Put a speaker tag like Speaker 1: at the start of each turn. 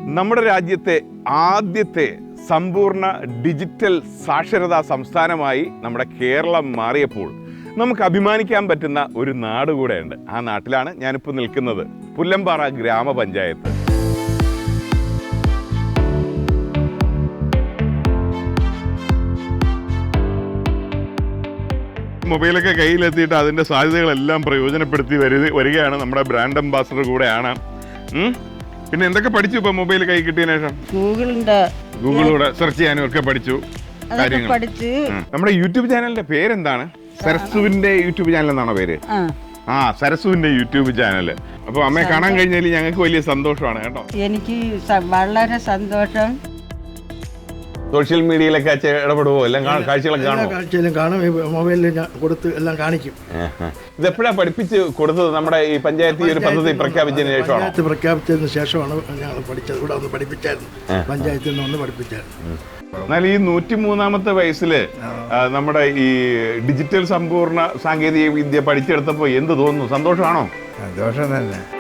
Speaker 1: നമ്മുടെ രാജ്യത്തെ ആദ്യത്തെ സമ്പൂർണ്ണ ഡിജിറ്റൽ സാക്ഷരതാ സംസ്ഥാനമായി നമ്മുടെ കേരളം മാറിയപ്പോൾ നമുക്ക് അഭിമാനിക്കാൻ പറ്റുന്ന ഒരു നാട് കൂടെയുണ്ട്. ആ നാട്ടിലാണ് ഞാനിപ്പോൾ നിൽക്കുന്നത്, പുല്ലമ്പാറ ഗ്രാമപഞ്ചായത്ത്. മൊബൈലൊക്കെ കയ്യിലെത്തിയിട്ട് അതിൻ്റെ സാധ്യതകളെല്ലാം പ്രയോജനപ്പെടുത്തി വരികയാണ്. നമ്മുടെ ബ്രാൻഡ് അംബാസഡർ കൂടെയാണ്. പിന്നെ എന്തൊക്കെ പഠിച്ചു ഇപ്പൊ മൊബൈൽ കൈ കിട്ടിയതിനു ശേഷം? ഗൂഗിളിലൂടെ സെർച്ച് ചെയ്യാനും ഒക്കെ പഠിച്ചു കാര്യങ്ങൾ. നമ്മുടെ യൂട്യൂബ് ചാനലിന്റെ പേരെന്താണ്? സരസുവിന്റെ യൂട്യൂബ് ചാനൽ എന്നാണോ പേര്? സരസുവിന്റെ യൂട്യൂബ് ചാനൽ. അപ്പൊ അമ്മയെ കാണാൻ കഴിഞ്ഞാൽ ഞങ്ങൾക്ക് വലിയ സന്തോഷമാണ് കേട്ടോ.
Speaker 2: എനിക്ക് വളരെ സന്തോഷം.
Speaker 1: സോഷ്യൽ മീഡിയയിലൊക്കെ ഇടപെടുവോ? എല്ലാം കാഴ്ചകളൊക്കെ കാണുമോ?
Speaker 3: കാഴ്ചയിലും കാണും, മൊബൈലിൽ കൊടുത്ത് എല്ലാം കാണിക്കും.
Speaker 1: ഇതെപ്പോഴാണ് പഠിപ്പിച്ച് കൊടുത്തത്? നമ്മുടെ ഈ പഞ്ചായത്ത് ഈ ഒരു പദ്ധതി പ്രഖ്യാപിച്ചതിന് ശേഷമാണ്?
Speaker 3: പഞ്ചായത്ത് പ്രഖ്യാപിച്ചതിന് ശേഷമാണ് ഞങ്ങൾ പഠിച്ചത്. ഇവിടെ ഒന്ന് പഠിപ്പിച്ചായിരുന്നു, പഞ്ചായത്തിൽ നിന്ന് ഒന്ന് പഠിപ്പിച്ചായിരുന്നു.
Speaker 1: എന്നാൽ ഈ 103-ാമത്തെ വയസ്സില് നമ്മുടെ ഈ ഡിജിറ്റൽ സമ്പൂർണ്ണ സാങ്കേതിക വിദ്യ പഠിച്ചെടുത്തപ്പോൾ എന്ത് തോന്നുന്നു? സന്തോഷമാണോ?
Speaker 3: സന്തോഷം തന്നെ.